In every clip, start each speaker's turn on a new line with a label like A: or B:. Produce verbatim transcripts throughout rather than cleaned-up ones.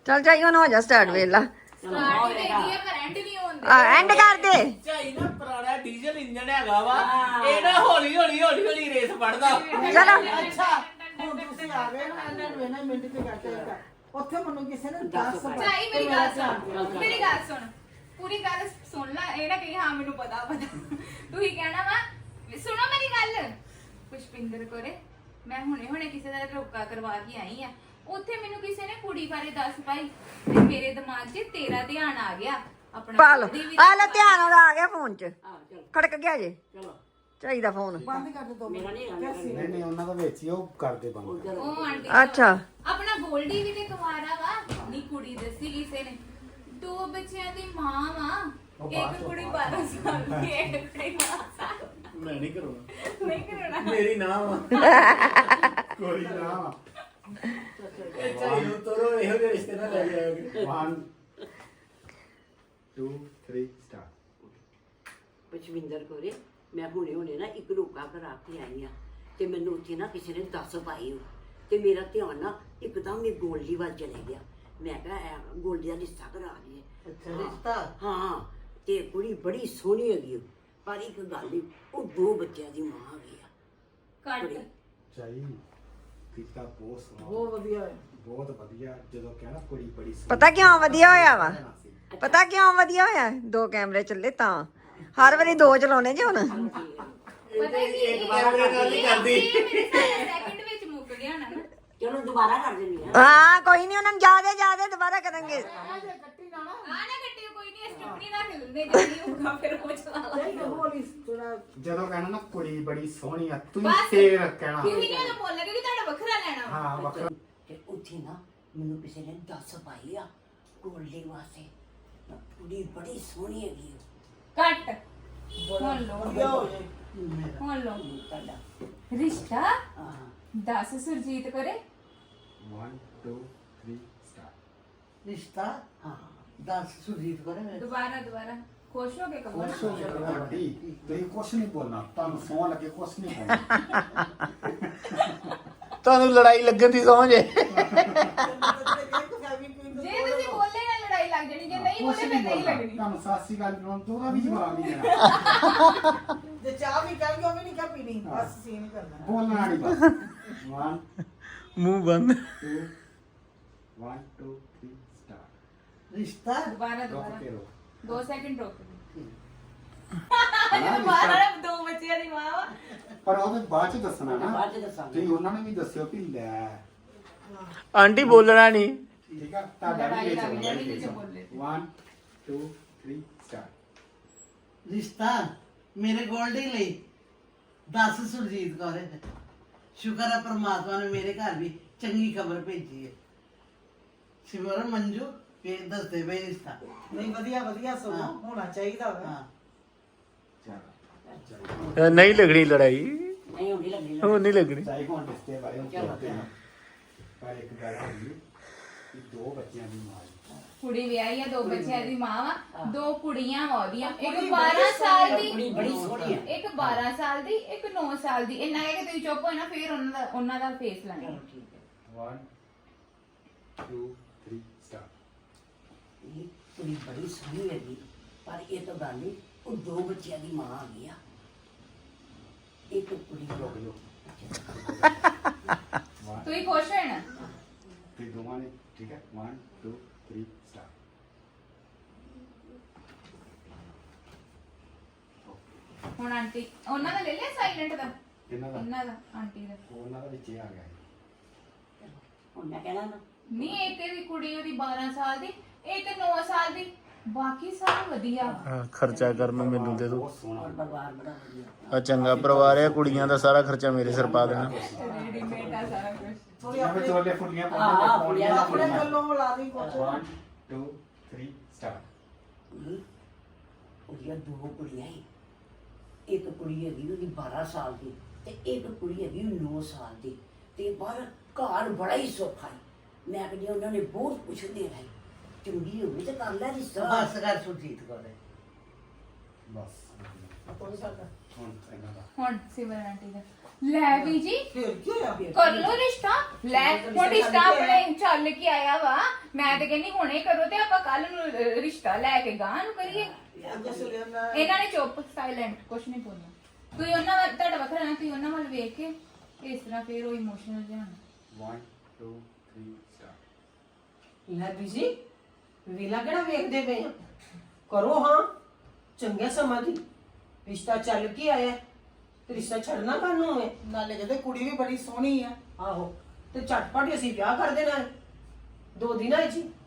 A: ਚੱਲ ਚਾਈ ਹੁਣ ਹੋ ਜਾ ਸਟਾਰਟ ਵੇਲਾ
B: ਸਟਾਰਟ ਹੀ ਹੈਗੀ ਆ ਪਰ ਐਂਡ ਨਹੀਂ ਹੁੰਦੇ
A: ਐਂਡ ਕਰ ਦੇ
C: ਝਾਈ ਨਾ ਪੁਰਾਣਾ ਡੀਜ਼ਲ ਇੰਜਣ ਹੈਗਾ ਵਾ ਇਹ ਨਾ ਹੌਲੀ ਹੌਲੀ ਹੌਲੀ ਹੌਲੀ ਰੇਸ ਫੜਦਾ
A: ਚਲੋ
D: ਅੱਛਾ ਹੁਣ ਤੁਸੀਂ ਆ ਗਏ ਨਾ ਇਹਨਾਂ ਨੂੰ ਇਹਨਾਂ ਮਿੰਟ ਤੇ ਕੱਟ ਉੱਥੇ ਮੈਨੂੰ ਕਿਸੇ ਨੇ ਦੱਸ
B: ਚਾਈ ਮੇਰੀ ਗੱਲ ਸੁਣ ਮੇਰੀ ਗੱਲ ਸੁਣ ਪੂਰੀ ਗੱਲ ਸੁਣ ਲੈ ਇਹ ਨਾ ਕਹੀ ਹਾਂ ਮੈਨੂੰ ਪਤਾ ਪਤਾ ਤੂੰ ਹੀ ਕਹਿਣਾ ਵਾ ਸੁਣੋ ਮੇਰੀ ਗੱਲ ਪੁਸ਼ਪਿੰਦਰ ਕੋਰੇ ਮੈਂ ਹੁਣੇ ਹੁਣੇ ਕਿਸੇ ਦਾ ਰੋਕਾ ਕਰਵਾ ਕੇ ਆਈ ਆ ਉੱਥੇ ਮੈਨੂੰ ਕਿਸੇ ਨੇ ਕੁੜੀ ਬਾਰੇ ਦੱਸ ਪਾਈ ਤੇ ਮੇਰੇ ਦਿਮਾਗ 'ਚ ਤੇਰਾ ਧਿਆਨ ਆ ਗਿਆ ਆਪਣਾ
A: ਪਾ ਲੋ
B: ਉਹਦੀ ਵੀ
A: ਆ ਲੈ ਧਿਆਨ ਉਹਦਾ ਆ ਗਿਆ ਫੋਨ 'ਚ
E: ਆ ਚਲੋ
A: ਖੜਕ ਗਿਆ ਜੇ
E: ਚਲੋ
A: ਚਾਹੀਦਾ ਫੋਨ
D: ਬੰਦ ਕਰ ਦੇ ਦੋ
E: ਮੇਰਾ ਨਹੀਂ ਆਉਂਦਾ
F: ਨਹੀਂ ਨਹੀਂ ਉਹਨਾਂ ਦਾ ਵਿੱਚ ਹੀ ਉਹ ਕਰਦੇ ਬੰਦ
B: ਉਹ ਆਂਟੀ
A: ਅੱਛਾ
B: ਆਪਣਾ ਗੋਲਡੀ ਵੀ ਤੇ ਕੁਵਾਰਾ ਵਾ ਨੀ ਕੁੜੀ ਦੱਸੀ ਕਿਸੇ ਨੇ ਦੋ ਬੱਚਿਆਂ ਦੀ ਮਾਂ ਵਾ ਇੱਕ ਕੁੜੀ ਬਾਰਾਂ ਸਾਲ ਦੀ ਇੱਕ ਕੁੜੀ ਨੌਂ ਸਾਲ
F: ਮੈਂ ਨਹੀਂ ਕਰੂੰਗਾ
B: ਨਹੀਂ ਕਰਣਾ
F: ਮੇਰੀ ਨਾਮ ਕੋਈ ਨਾ
C: ਇਹ ਝਾਈ ਨੂੰ ਤੋਰੋ ਇਹੋ ਜਿਹੇ ਰਿਸ਼ਤੇ ਨਾਲ ਲੈ ਜਾਓਗੇ
F: one two three start
E: Pushpinder ਕੋਰੇ ਮੈਂ ਹੁਣੇ ਹੁਣੇ ਨਾ ਇੱਕ ਰੋਕਾ ਕਰਾ ਕੇ ਆਈ ਆ ਤੇ ਮੈਨੂੰ ਉੱਥੇ ਨਾ ਕਿਸੇ ਨੇ ਦੱਸ ਪਾਈ ਉਹ ਤੇ ਮੇਰਾ ਧਿਆਨ ਨਾ ਇੱਕਦਮ ਹੀ ਗੋਲਡੀ ਵੱਲ ਚਲੇ ਗਿਆ ਮੈਂ ਕਿਹਾ ਗੋਲਡੀ ਦਾ ਰਿਸ਼ਤਾ ਕਰਾ ਲਈਏ
D: ਅੱਛਾ ਰਿਸ਼ਤਾ
E: ਹਾਂ ਤੇ ਕੁੜੀ ਬੜੀ ਸੋਹਣੀ ਹੈਗੀ ਉਹ, ਪਰ ਇੱਕ ਗੱਲ ਈ, ਉਹ ਦੋ ਬੱਚਿਆਂ ਦੀ ਮਾਂ ਹੈਗੀ ਆ
B: ਕੱਟ
F: ਚਾਹੀ ਕੀਤਾ ਬਹੁਤ ਸੋਹਣਾ
D: ਬਹੁਤ ਵਧੀਆ ਹੈ
F: ਬਹੁਤ ਵਧੀਆ ਜਦੋਂ ਕਹਿਣਾ ਕੁੜੀ ਬੜੀ ਸੋਹਣੀ
A: ਪਤਾ ਕਿਉਂ ਵਧੀਆ ਹੋਇਆ ਵਾ ਪਤਾ ਕਿਉਂ ਵਧੀਆ ਹੋਇਆ ਦੋ ਕੈਮਰੇ ਚੱਲੇ ਤਾਂ ਹਰ ਵਾਰੀ ਦੋ ਚਲਾਉਣੇ ਜੇ ਹੁਣ
B: ਪਤਾ ਕੀ
C: ਇੱਕ ਵਾਰ ਮੇਰੇ ਨਾਲ ਨਹੀਂ ਕਰਦੀ
B: ਸੈਕਿੰਡ ਵਿੱਚ ਮੁੱਕ ਗਿਆ ਨਾ ਨਾ
E: ਚਲੋ ਦੁਬਾਰਾ ਕਰ ਦਿੰਦੀ ਆ
A: ਹਾਂ ਕੋਈ ਨਹੀਂ ਉਹਨਾਂ ਨੂੰ ਜਿਆਦਾ ਜਿਆਦਾ ਦੁਬਾਰਾ ਕਰਾਂਗੇ
D: ਕੱਟੀ ਨਾ ਨਾ
B: ਆ ਨਾ ਕੱਟਿਓ ਕੋਈ ਨਹੀਂ ਸਟਪਨੀ ਨਾ ਖਿਲਦੇ ਜਿਹੜੀ ਹੋਊਗਾ ਫਿਰ ਉਹ ਚਲਾ ਲਾ
D: ਨਹੀਂ ਹੋਲੀ ਥੋੜਾ
F: ਜਦੋਂ ਕਹਿਣਾ ਨਾ ਕੁੜੀ ਬੜੀ ਸੋਹਣੀ ਆ ਤੂੰ
B: ਬਸ।
F: ਫੇਰ ਕਹਿਣਾ
B: ਤੁਸੀਂ ਨਹੀਂ ਉਹ ਬੋਲਿਆ ਕਿ ਤੁਹਾਡਾ ਵੱਖਰਾ ਲੈਣਾ ਵਾ।
F: ਹਾਂ ਵੱਖਰਾ
E: ਤੇ ਉੱਥੇ ਨਾ ਮੈਨੂੰ ਕਿਸੇ ਨੇ ਦੱਸ ਪਾਈ ਆ ਗੋਲਡੀ ਵਾਸਤੇ ਕੁੜੀ ਬੜੀ ਸੋਹਣੀ ਹੈਗੀ ਉਹ
B: ਕੱਟ ਹੁਣ ਲੋ
D: ਵਧੀਆ ਹੋ ਜਾਏ
E: ਮੇਰਾ
B: ਹੁਣ ਲੋ
E: ਤੁਹਾਡਾ
B: ਰਿਸ਼ਤਾ
E: ਹਾਂ
B: ਦਸ ਸੁਰਜੀਤ ਕਰੇ
F: one two three start
D: ਰਿਸ਼ਤਾ
E: ਹਾਂ
D: ਦੱਸ ਸੁਜੀਤ ਕਰੇ ਮੇਰੇ
B: ਦੁਬਾਰਾ ਦੁਬਾਰਾ ਖੁਸ਼ ਹੋ ਕੇ ਕਹੋ
D: ਖੁਸ਼ ਹੋ ਕੇ ਕਹੋ।
F: ਵੱਡੀ ਤੁਸੀਂ ਕੁਛ ਨਹੀਂ ਬੋਲਣਾ ਤੁਹਾਨੂੰ ਸੌਂ ਲੱਗੇ ਕੁਛ ਨਹੀਂ ਬੋਲਣਾ
C: ਤੁਹਾਨੂੰ ਲੜਾਈ ਲੱਗਣ ਦੀ ਸਮਝ ਹੈ
B: ਜੇ ਤੁਸੀਂ ਬੋਲੇ ਨਾ ਲੜਾਈ ਲੱਗ ਜਾਣੀ ਜੇ ਨਹੀਂ
F: ਕੁਛ
B: ਬੋਲੇ
F: ਨਹੀਂ
B: ਫਿਰ ਨਹੀਂ
F: ਬੋਲਣਾ
B: ਲੱਗਣੀ
F: ਤੁਹਾਨੂੰ ਸਾਸੀ ਗੱਲ ਨੂੰ ਦੋਰਾ ਵੀ ਜਵਾਬ ਨਹੀਂ ਦੇਣਾ
D: ਜੇ ਚਾਹ ਵੀ ਕਰ ਉਹ ਵੀ ਨਹੀਂ ਕਾ ਪੀਣੀ ਬਸ ਸੀਨ ਕਰਨਾ
F: ਬੋਲਣਾ ਨਹੀਂ ਬਸ one
C: ਮੂੰਹ ਬੰਦ
F: two one two three start
D: ਰਿਸ਼ਤਾ
B: ਦੁਬਾਰਾ
F: ਰੁਕ
B: ਦੁਬਾਰਾ
F: ਕੇ ਰੋ
B: ਦੋ ਸੈਕਿੰਡ ਰੁਕ
F: ਹਾਂ,
B: ਦੁਬਾਰਾ ਦੋ ਬੱਚਿਆਂ ਦੀ ਮਾਂ ਵਾ
F: ਪਰ ਉਹਦੇ ਬਾਅਦ ਚ ਦੱਸਣਾ ਨਾ
E: ਬਾਅਦ ਚ ਦੱਸਾਂਗੇ
F: ਤੁਸੀਂ ਉਹਨਾਂ ਨੂੰ ਵੀ ਦੱਸਿਓ ਕਿ ਲੈ
C: ਆਂਟੀ ਬੋਲਣਾ ਨਹੀਂ
F: ਠੀਕ ਆ ਤੁਹਾਡਾ
B: ਲੜਾਈ
F: ਵੀ
B: ਲੱਗ
F: ਇਹ
B: ਜਾਣੀ
F: ਚੱਲਣਾ
B: ਜੇ ਬੋਲੇ ਤੇ।
F: one two three start
D: ਰਿਸ਼ਤਾ ਮੇਰੇ ਗੋਲਡੀ ਲਈ ਦਸ ਸੁਰਜੀਤ ਕੌਰ ਸ਼ੁਕਰ ਹੈ ਪ੍ਰਮਾਤਮਾ ਨੇ ਮੇਰੇ ਘਰ ਵੀ ਚੰਗੀ ਖਬਰ ਭੇਜੀ ਹੈ ਸਿਮਰਨ ਮੰਜੂ ਇਹ ਦੱਸਦੇ ਪਏ ਰਿਸ਼ਤਾ ਨਹੀਂ ਵਧੀਆ ਵਧੀਆ ਸਗੋਂ ਹੋਣਾ ਚਾਹੀਦਾ ਹਾਂ
F: ਚਲੋ
C: ਨਹੀਂ ਲੱਗਣੀ ਲੜਾਈ
E: ਨਹੀਂ ਹੁੰਦੀ ਲੱਗਣੀ
C: ਹੁਣ ਨਹੀਂ ਲੱਗਣੀ
F: ਚਾਹੀ ਕੋਣ ਰਿਸ਼ਤੇ ਬਾਰੇ ਉਹ
E: ਚਲੋ।
F: ਕਰਦੇ ਨੇ ਪਰ ਇੱਕ ਗੱਲ ਹੋਈ ਕਿ ਦੋ ਬੱਚਿਆਂ ਦੀ ਮਾਂ ਹੈ।
B: ਕੁੜੀ ਵਿਆਹੀ ਆ ਦੋ ਬੱਚਿਆਂ ਦੀ ਮਾਂ ਵਾ ਦੋ ਕੁੜੀਆਂ ਵਾ ਉਹਦੀਆਂ ਇੱਕ ਬਾਰਾਂ ਸਾਲ ਦੀ
E: ਕੁੜੀ ਬੜੀ ਸੋਹਣੀ ਆ
B: ਇੱਕ ਬਾਰਾਂ ਸਾਲ ਦੀ ਇੱਕ ਨੌਂ ਸਾਲ ਦੀ ਇੰਨਾ ਕਹਿ ਕੇ ਤੁਸੀਂ ਚੁੱਪ ਹੋਏ ਨਾ ਫਿਰ ਉਹਨਾਂ ਦਾ ਉਹਨਾਂ ਦਾ ਫੇਸ ਲੈਣਾ
E: ਚਲੋ ਠੀਕ ਹੈ
F: one two three start
E: ਇਹ ਕੁੜੀ ਬੜੀ ਸੋਹਣੀ ਹੈਗੀ ਪਰ ਇਹ ਤਾਂ ਗੱਲ ਨਹੀਂ ਉਹ ਦੋ ਬੱਚਿਆਂ ਦੀ ਮਾਂ ਆ ਗਈ ਆ ਇੱਕ ਕੁੜੀ
F: ਰੁਕ ਜਾਓ one
B: ਤੁਸੀਂ ਖੁਸ਼ ਹੋਏ ਨਾ
F: ਤੇ ਦੋਵਾਂ ਨੇ ਠੀਕ ਹੈ one two three start
B: ਹੁਣ ਆਂਟੀ ਉਹਨਾਂ ਦਾ ਲੈ ਲਿਆ ਸਾਇਲੈਂਟ ਦਾ
F: ਇਹਨਾਂ ਦਾ
B: ਇਹਨਾਂ ਦਾ ਆਂਟੀ ਦਾ
F: ਉਹਨਾਂ ਦਾ ਵਿੱਚ ਇਹ ਆ ਗਿਆ ਹੈ।
E: ਹੁਣ ਮੈਂ ਕਹਿਣਾ ਨਾ
B: ਨਹੀਂ ਇੱਕ ਦੀ ਕੁੜੀ ਉਹਦੀ ਬਾਰਾਂ ਸਾਲ ਦੀ ਇੱਕ ਨੌਂ ਸਾਲ ਦੀ ਬਾਕੀ ਸਭ ਵਧੀਆ
C: ਹਾਂ, ਖਰਚਾ ਕਰਨ ਨੂੰ ਮੈਨੂੰ ਦੇ ਦਿਓ
F: ਬਹੁਤ ਸੋਹਣਾ
E: ਔਰ ਪਰਿਵਾਰ ਬੜਾ ਵਧੀਆ
C: ਆ ਚੰਗਾ ਪਰਿਵਾਰ ਹੈ ਕੁੜੀਆਂ ਦਾ ਸਾਰਾ ਖਰਚਾ ਮੇਰੇ ਸਿਰ ਪਾ ਦੇਣਾ
B: ਰੈਡੀਮੇਡ ਆ ਸਾਰਾ ਕੁਝ
D: ਥੋੜੀ
F: ਜਿਵੇਂ
D: ਆਪਣੇ
F: ਚੋਲੇ ਫੁੱਲੀਆਂ
E: ਹਾਂ,
F: ਪਾਉਂਦੇ
E: ਫੁੱਲੀਆਂ
D: ਆਪਣੇ ਵੱਲੋਂ ਲਾ ਦੀ ਕੁਛ
F: one two three start
E: ਇਹ ਉਹਦੀਆਂ ਦੋ ਕੁੜੀਆਂ ਹੀ ਇੱਕ ਕੁੜੀ ਹੈਗੀ ਉਹਦੀ ਬਾਰਾਂ ਸਾਲ ਦੀ ਤੇ ਇੱਕ ਕੁੜੀ ਹੈਗੀ ਨੌਂ ਸਾਲ ਦੀ ਤੇ ਬਾਹਰ ਘਰ ਬੜਾ ਹੀ ਸੌਖਾ ਹੈ ਮੈਂ ਕਹਿੰਦੀ ਉਹਨਾਂ ਨੇ ਬਹੁਤ ਪੁੱਛਦੇ ਰਹੇ ਚੰਗੀ ਹੋਵੇ ਤੇ ਕਰ ਲੈ ਰਿਸ਼ਤਾ
D: ਬਸ ਕਰ ਸੁਰਜੀਤ ਕੌਰ
F: ਬਸ
G: ਕੋਈ ਸਕਦਾ
F: ਹੁਣ ਇਹਨਾਂ ਦਾ
B: ਹੁਣ ਸਿਮਰਨ ਆਂਟੀ ਦਾ ਲੈ ਵੀ ਜੀ
G: ਫਿਰ ਕੀ ਹੋਇਆ
B: ਕਰ ਲੋ ਰਿਸ਼ਤਾ ਲੈ ਹੁਣ ਰਿਸ਼ਤਾ ਆਪਣੇ ਚੱਲ ਕੇ ਆਇਆ ਵਾ ਮੈਂ ਤੇ ਕਹਿੰਦੀ ਹੁਣੇ ਕਰੋ ਤੇ ਆਪਾਂ ਕੱਲ ਨੂੰ ਅਹ, ਰਿਸ਼ਤਾ ਲੈ ਕੇ ਗਾਂ ਨੂੰ ਕਰੀਏ
G: ਅੱਗੇ ਸੁਣਿਆ ਮੈਂ
B: ਇਹਨਾਂ ਨੇ ਚੁੱਪ ਸਾਇਲੈਂਟ ਕੁਛ ਨਹੀਂ ਬੋਲਿਆ ਤੁਸੀਂ ਉਹਨਾਂ ਵੱਲ ਤੁਹਾਡਾ ਵੱਖਰਾ ਨਾ ਤੁਸੀਂ ਉਹਨਾਂ ਵੱਲ ਵੇਖ ਕੇ ਇਸ ਤਰ੍ਹਾਂ ਫੇਰ ਉਹ ਇਮੋਸ਼ਨਲ ਜਾਣ
F: one two three start
G: ਲੈ ਬੀਜੀ ਵੇਲਾ ਕਿਹੜਾ ਵੇਖਦੇ ਪਏ ਆ ਕਰੋ ਹਾਂ ਚੰਗੇ ਸਮਾਂ ਦੀ ਰਿਸ਼ਤਾ ਚੱਲ ਕੇ ਆਇਆ ਤੇ ਰਿਸ਼ਤਾ ਛੱਡਣਾ ਕਾਹਨੂੰ ਹੈ ਨਾਲੇ ਕਹਿੰਦੇ ਕੁੜੀ ਵੀ ਬੜੀ ਸੋਹਣੀ ਆ ਆਹੋ ਤੇ ਝਟਪਟ ਅਸੀਂ ਵਿਆਹ ਕਰ ਦੇਣਾ ਹੈ ਦੋ ਦਿਨਾਂ ਵਿੱਚ ਹੀ।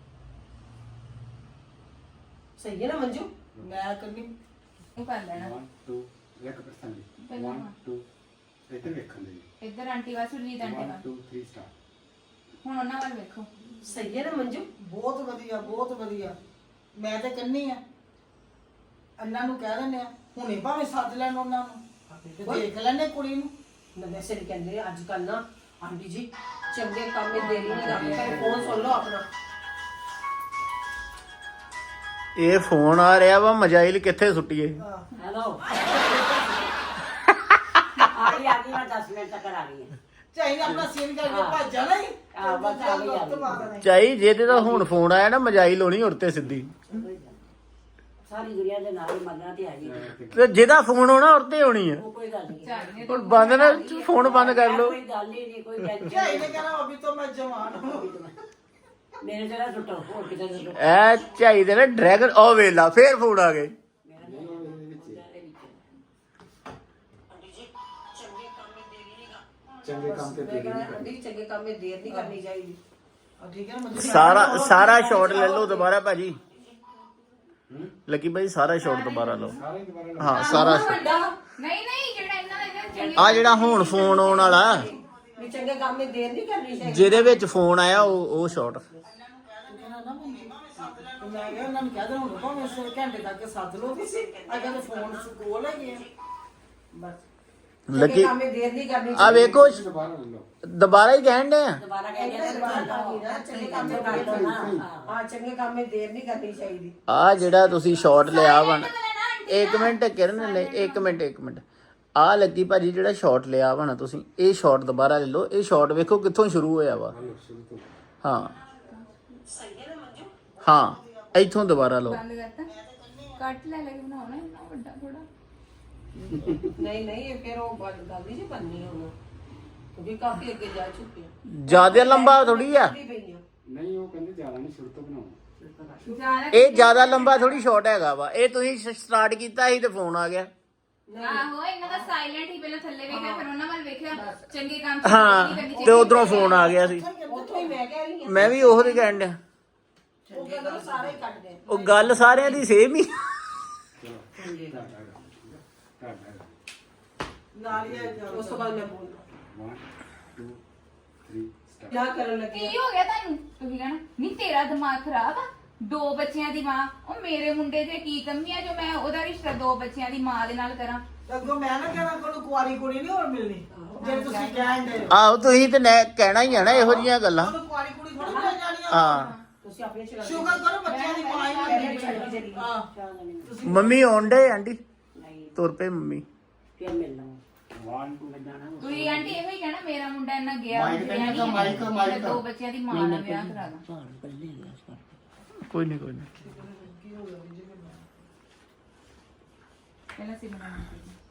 G: ਸਹੀ ਹੈ ਨਾ ਮੰਜੂ ਮੈਂ ਕਰਨੀ
B: ਉਹ ਕਰ ਲੈਣਾ
F: one two ਇੱਕ ਪਰਸੈਂਟ
B: ਪਹਿਲਾਂ
F: one two ਇੱਧਰ ਵੇਖਣ ਦੇ
B: ਇੱਧਰ ਆਂਟੀ ਵਾ ਸੁਰਜੀਤ ਆਂਟੀ
F: one
B: ਵਾ
F: two three start
B: ਹੁਣ ਉਹਨਾਂ ਵੱਲ ਵੇਖੋ
G: ਸਹੀ ਹੈ ਨਾ ਮੰਜੂ ਬਹੁਤ ਵਧੀਆ ਬਹੁਤ ਵਧੀਆ ਮੈਂ ਤੇ ਕੰਨੀ ਆ ਅੰਨਾ ਨੂੰ ਕਹਿ ਦਿੰਦੇ ਆ ਹੁਣੇ ਭਾਵੇਂ ਸੱਦ ਲੈਣ ਉਹਨਾਂ ਨੂੰ ਤੇ ਦੇਖ ਲੈਣੇ ਕੁੜੀ ਨੂੰ
H: ਮੈਂ ਵੈਸੇ ਨਹੀਂ ਕਹਿੰਦੇ ਅੱਜ ਕੱਲ ਨਾ ਆਂਟੀ ਜੀ ਚੰਗੇ ਕੰਮ ਵਿੱਚ ਦੇਰੀ ਨਹੀਂ ਕਰਨੀ ਪਰ ਫੋਨ ਸੁਣ ਲਓ ਆਪਣਾ
I: ਇਹ ਫੋਨ ਆ ਰਿਹਾ ਵਾ ਮਜਾਇਲ ਕਿੱਥੇ ਸੁੱਟੀਏ
E: ਹੈਲੋ ਆ ਗਈ ਆ ਗਈ ਮੈਂ ਦਸ ਮਿੰਟ ਤੱਕ ਆ ਗਈ ਹਾਂ
G: ਚਾਹੀਦਾ ਆਪਣਾ ਸੀਨ ਕਰਕੇ ਭੱਜ ਜਾਣਾ ਹੀ
E: ਹਾਂ, ਬਸ ਆ ਗਈ, ਆ ਗਈ।
G: ਮਾਰਨਾ ਹੀ।
I: ਚਾਈ ਜੇ ਤੇ ਤਾਂ ਹੁਣ ਫੋਨ ਆਇਆ ਨਾ ਮਜਾਇਲ ਹੋਣੀ ਉਰਤੇ ਸਿੱਧੀ
E: ਸਾਰੀ ਦੁਨੀਆ ਦੇ ਨਾਲ ਹੀ ਮੰਨਣਾ ਤੇ ਆ ਗਈ
I: ਤੇ ਜਿਹਦਾ ਫੋਨ ਹੋਣਾ ਉਰਤੇ ਹੋਣੀ ਆ
E: ਉਹ ਕੋਈ ਗੱਲ ਨਹੀਂ
B: ਚਾਹੀਏ
I: ਹੁਣ ਬੰਦ ਨਾ ਫੋਨ ਬੰਦ ਕਰ ਲਓ
E: ਕੋਈ ਗੱਲ ਹੀ ਨਹੀਂ ਕੋਈ ਟੈਨਸ਼ਨ
G: ਝਾਈ ਨੇ ਕਹਿਣਾ ਅਭੀ ਤੋਂ ਮੈਂ ਜਵਾਨ ਹੂੰ
E: ਮੇਰੇ ਤੇ ਨਾ ਸੁੱਟੋ ਹੋਰ ਕਿਤੇ ਨਾ ਸੁੱਟੋ
I: ਐ ਚਾਈ ਦੇ ਨਾ ਡਰੈਗਨ ਉਹ ਵੇਲਾ ਫੇਰ ਫੋਨ ਆ ਗਏ
F: ਚੰਗੇ ਕੰਮ ਤੇ
H: ਮੈਂ
F: ਦੇਰੀ
H: ਕਹਿੰਦਾ
F: ਨਹੀਂ ਕਰਨੀ
H: ਆਂਟੀ ਚੰਗੇ ਕੰਮ ਵਿੱਚ ਦੇਰ ਨਹੀਂ ਕਰਨੀ ਚਾਹੀਦੀ
G: ਠੀਕ ਹੈ ਨਾ ਮੰਜੂ
I: ਸਾਰਾ ਸਾਰਾ ਸ਼ਾਟ ਲੈ ਲਓ ਦੁਬਾਰਾ ਭਾਜੀ ਲੱਕੀ ਭਾਈ ਸਾਰਾ ਸ਼ਾਟ ਦੁਬਾਰਾ ਲਓ
F: ਸਾਰੇ ਹੀ ਦੁਬਾਰਾ ਲਓ।
I: ਹਾਂ ਸਾਰਾ
B: ਨਹੀਂ ਨਹੀਂ ਜਿਹੜਾ ਇਹਨਾਂ ਦਾ ਚੰਗੀ
I: ਆ ਜਿਹੜਾ ਹੁਣ ਫੋਨ ਆਉਣ ਵਾਲਾ
H: ਵੀ ਚੰਗੇ ਕੰਮ ਵਿੱਚ ਦੇਰ ਨਹੀਂ ਕਰਨੀ ਚਾਹੀਦੀ
I: ਜਿਹਦੇ ਵਿੱਚ ਫੋਨ ਆਇਆ ਉਹ ਉਹ ਸ਼ਾਟ
G: ਮੈਂ ਕਿਹਾ ਉਹਨਾਂ ਨੂੰ ਕਹਿ ਦੇਣਾ ਹੁਣ ਭਾਵੇਂ ਇਸ ਘੰਟੇ ਤੱਕ ਸੱਦ ਲਓ ਤੁਸੀਂ ਅਗਰ ਫੋਨ ਕੋਲ ਹੈਗੇ ਆ ਬਸ
I: ਲੱਕੀ
H: ਕੰਮ ਵਿੱਚ ਦੇਰ ਨਹੀਂ ਕਰਨੀ
I: ਆ ਵੇਖੋ
F: ਦੁਬਾਰਾ ਲੈ ਲਓ
I: ਦੁਬਾਰਾ ਹੀ ਕਹਿਣ ਦੇ
E: ਦੁਬਾਰਾ ਕਹਿ ਗਿਆ
H: ਚਾਹੀਦੀ ਚੰਗੇ ਕੰਮ ਵਿੱਚ ਦੇਰ ਕਰਨਾ ਹਾਂ ਚੰਗੇ ਕੰਮ ਵਿੱਚ ਦੇਰ ਨਹੀਂ ਕਰਨੀ ਚਾਹੀਦੀ
I: ਆ ਜਿਹੜਾ ਤੁਸੀਂ ਸ਼ਾਟ ਲਿਆ ਵਾ ਨਾ ਇੱਕ ਮਿੰਟ ਕਿਰਨ ਲੈ ਇੱਕ ਮਿੰਟ ਇੱਕ ਮਿੰਟ ਆ ਲੱਗੀ ਭਾਜੀ ਜਿਹੜਾ ਸ਼ਾਟ ਲਿਆ ਵਾ ਨਾ ਤੁਸੀਂ ਇਹ ਸ਼ਾਟ ਦੁਬਾਰਾ ਲੈ ਲਓ ਇਹ ਸ਼ਾਟ ਵੇਖੋ ਕਿੱਥੋਂ ਸ਼ੁਰੂ ਹੋਇਆ ਵਾ
F: ਸ਼ੁਰੂ ਤੋਂ
I: ਹਾਂ ਹਾਂ ਇੱਥੋਂ ਦੁਬਾਰਾ ਲਓ
B: ਬੰਦ ਕਰਤਾ ਕੱਟ ਲੈ ਲੈ ਕੇ ਬਣਾਉਣਾ ਇੰਨਾ ਵੱਡਾ ਥੋੜਾ
H: ਨਹੀਂ ਨਹੀਂ ਇਹ ਫਿਰ ਉਹ ਗੱਲ ਗੱਲ ਨਹੀਂ ਜੀ ਬੰਨੀ ਹੁਣ ਕਿਉਂਕਿ ਕਾਫੀ ਅੱਗੇ ਜਾ ਚੁੱਕੇ ਆ
I: ਜਿਆਦਾ ਲੰਬਾ ਥੋੜੀ ਆ
H: ਨਹੀਂ ਪਈਆਂ
F: ਨਹੀਂ ਉਹ ਕਹਿੰਦੇ ਜ਼ਿਆਦਾ ਨਹੀਂ ਸ਼ੁਰੂ ਤੋਂ ਬਣਾਓ
B: ਜ਼ਿਆਦਾ
I: ਇਹ ਜਿਆਦਾ ਲੰਬਾ ਥੋੜੀ ਸ਼ਾਟ ਹੈਗਾ ਵਾ ਇਹ ਤੁਸੀਂ ਸਟਾਰਟ ਕੀਤਾ ਸੀ ਤੇ ਫੋਨ ਆ ਗਿਆ
B: ਆਹੋ ਇਹਨਾਂ ਦਾ ਸਾਇਲੈਂਟ ਹੀ ਪਹਿਲਾਂ ਥੱਲੇ ਵੇਖਿਆ ਫਿਰ ਉਹਨਾਂ ਵੱਲ ਵੇਖਿਆ ਚੰਗੇ ਕੰਮ ਚ
I: ਹਾਂ
B: ਨਹੀਂ ਕਰਨੀ
I: ਤੇ
B: ਚਾਹੀਦੀ।
I: ਉਧਰੋਂ ਫੋਨ ਆ ਗਿਆ ਸੀ
H: ਉੱਥੋਂ ਹੀ ਮੈਂ ਕਹਿ ਰਹੀ ਹਾਂ
I: ਮੈਂ ਵੀ ਉਹੋ ਹੀ ਕਹਿਣ ਡਿਆ
H: ਉਹ ਕਹਿੰਦਾ ਸਾਰੇ ਹੀ ਕੱਟ ਦੇ
I: ਉਹ ਗੱਲ ਸਾਰਿਆਂ ਦੀ ਸੇਮ ਹੀ
F: ਚਲੋ ਕਰ ਕਰ ਕਰ
G: ਨਾਲ ਹੀ ਆ
H: ਉਸ ਤੋਂ ਬਾਅਦ ਮੈਂ ਬੋਲਦਾ
F: one two three start
H: ਕਿਆ ਕਰਨ ਲੱਗੇ
B: ਕੀ ਹੋ ਗਿਆ ਤੁਹਾਨੂੰ ਤੁਸੀਂ ਕਹਿਣਾ ਨਹੀਂ ਤੇਰਾ ਦਿਮਾਗ ਖਰਾਬ ਆ ਦੋ ਬੱਚਿਆਂ ਦੀ ਮਾਂ ਉਹ ਮੇਰੇ ਮੁੰਡੇ ਦੇ ਕੀ ਕਮੀ ਆ ਜੋ ਮੈਂ ਉਹਦਾ ਰਿਸ਼ਤਾ ਦੋ ਬੱਚਿਆਂ ਦੀ ਮਾਂ ਦੇ ਨਾਲ ਕਰਾਂ
G: ਅੱਗੋਂ ਮੈਂ ਨਾ ਕਹਿਣਾ ਕੋਈ ਕੁਆਰੀ ਕੁੜੀ ਨਹੀਂ ਹੋਰ ਮਿਲਣੀ ਜੇ ਤੁਸੀਂ ਕਹਿੰਦੇ ਹੋ
I: ਆਹੋ ਤੁਸੀਂ ਤੇ ਨੈ- ਕਹਿਣਾ ਹੀ ਆ ਨਾ ਇਹੋ ਜਿਹੀਆਂ ਗੱਲਾਂ
G: ਉਹਨੂੰ ਕੁਆਰੀ ਕੁੜੀ ਥੋੜੀ ਮਿਲ ਜਾਣੀ ਆ
I: ਹਾਂ
H: ਤੁਸੀਂ ਆਪਣੇ ਚਲਾ
G: ਸ਼ੁਕਰ ਕਰੋ ਬੱਚਿਆਂ ਦੀ ਮਾਂ ਹੀ ਮਿਲਣੀ ਹਾਂ
I: ਮੰਮੀ ਆਉਣ ਡੇ ਆਂਟੀ
E: ਨਹੀਂ
I: ਤੁਰ ਪਏ ਮੰਮੀ
E: ਫਿਰ ਮਿਲਣਾ
F: one
E: ਮੈਂ ਜਾਣਾ
B: ਤੁਸੀਂ ਆਂਟੀ ਇਹੋ ਹੀ ਕਹਿਣਾ ਮੇਰਾ ਮੁੰਡਾ ਇੰਨਾ ਗਿਆ
F: ਮਾਈਕ ਤੇ ਨਹੀਂ ਤਾਂ ਮਾਈਕ,
B: ਮੈਂ
F: ਮਾਈਕ।
B: ਦੋ ਬੱਚਿਆਂ ਦੀ ਮਾਂ ਨਾਲ ਵਿਆਹ ਕਰਾ ਦਾਂ
E: ਘਰ ਬੱਲੇ ਗਿਆ ਸਰ
I: ਕੋਈ ਨਹੀਂ ਕੋਈ ਨਹੀਂ
B: ਪਹਿਲਾਂ ਸਿਮਰਨ ਆਂਟੀ